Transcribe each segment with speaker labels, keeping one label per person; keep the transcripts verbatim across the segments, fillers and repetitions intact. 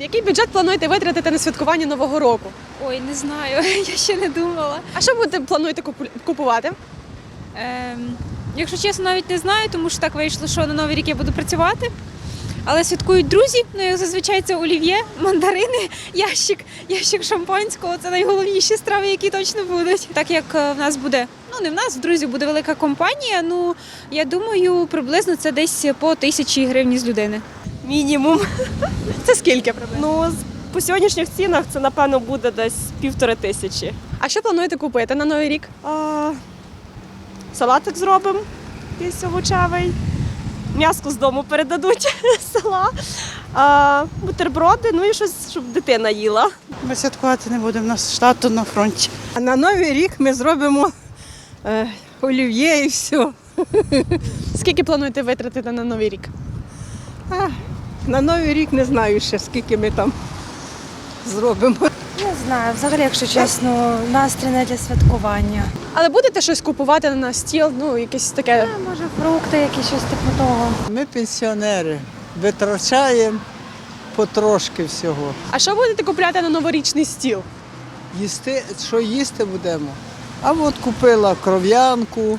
Speaker 1: Який бюджет плануєте витратити на святкування Нового року?
Speaker 2: Ой, не знаю, я ще не думала.
Speaker 1: А що будете плануєте купу- купувати?
Speaker 2: Ем, якщо чесно, навіть не знаю, тому що так вийшло, що на Новий рік я буду працювати. Але святкують друзі, ну як зазвичай це олів'є, мандарини, ящик, ящик шампанського. Це найголовніші страви, які точно будуть. Так як е, в нас буде, ну не в нас, в друзів буде велика компанія, ну я думаю, приблизно це десь по тисячі гривень з людини.
Speaker 3: Мінімум.
Speaker 1: Це скільки приблизно?
Speaker 3: Ну, з- по сьогоднішніх цінах це, напевно, буде десь півтори тисячі.
Speaker 1: А що плануєте купити на Новий рік?
Speaker 3: А, салатик зробимо, якийсь овочевий. М'яско з дому передадуть з села. А, бутерброди, ну і щось, щоб дитина їла.
Speaker 4: Ми святкувати не будемо, у нас штату на фронті.
Speaker 5: А на Новий рік ми зробимо е, олів'є і все.
Speaker 1: Скільки плануєте витратити на Новий рік?
Speaker 5: А, на Новий рік не знаю ще, скільки ми там зробимо.
Speaker 6: Не знаю, взагалі, якщо чесно, настрій не для святкування.
Speaker 1: Але будете щось купувати на стіл, ну якесь таке.
Speaker 6: Е, Може, фрукти, якісь щось типу того.
Speaker 7: Ми пенсіонери, витрачаємо потрошки всього.
Speaker 1: А що будете купляти на новорічний стіл?
Speaker 7: Їсти, що їсти будемо? А от купила кров'янку,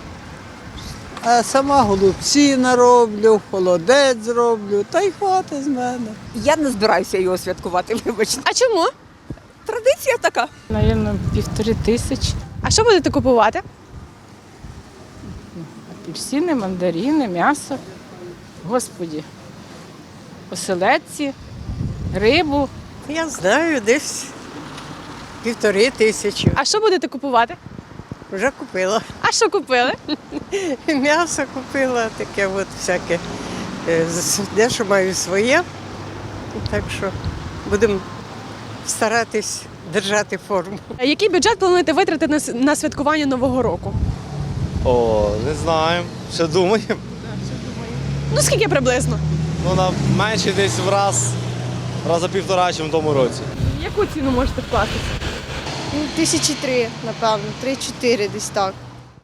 Speaker 7: а сама голубці нароблю, холодець зроблю, та й хватить з мене.
Speaker 8: Я не збираюся його святкувати, вибачте.
Speaker 1: А чому?
Speaker 8: Традиція така.
Speaker 4: Навірно, півтори тисячі.
Speaker 1: А що будете купувати?
Speaker 4: Апельсини, мандарини, м'ясо. Господі. Оселедці, рибу.
Speaker 5: Я знаю, десь півтори тисячі.
Speaker 1: А що будете купувати?
Speaker 5: Вже купила.
Speaker 1: А що купили?
Speaker 5: М'ясо купила, таке от всяке. Е, з- Дещо маю своє. Так що будемо старатись держати форму.
Speaker 1: А який бюджет плануєте витратити на с- на святкування Нового року?
Speaker 9: О, не знаю. Ще думаємо.
Speaker 1: Ну скільки приблизно?
Speaker 9: Ну, на менше десь в раз, раза півтора, ніж в тому році.
Speaker 1: Яку ціну можете вкласти?
Speaker 10: Тисячі три, напевно, три-чотири десь так.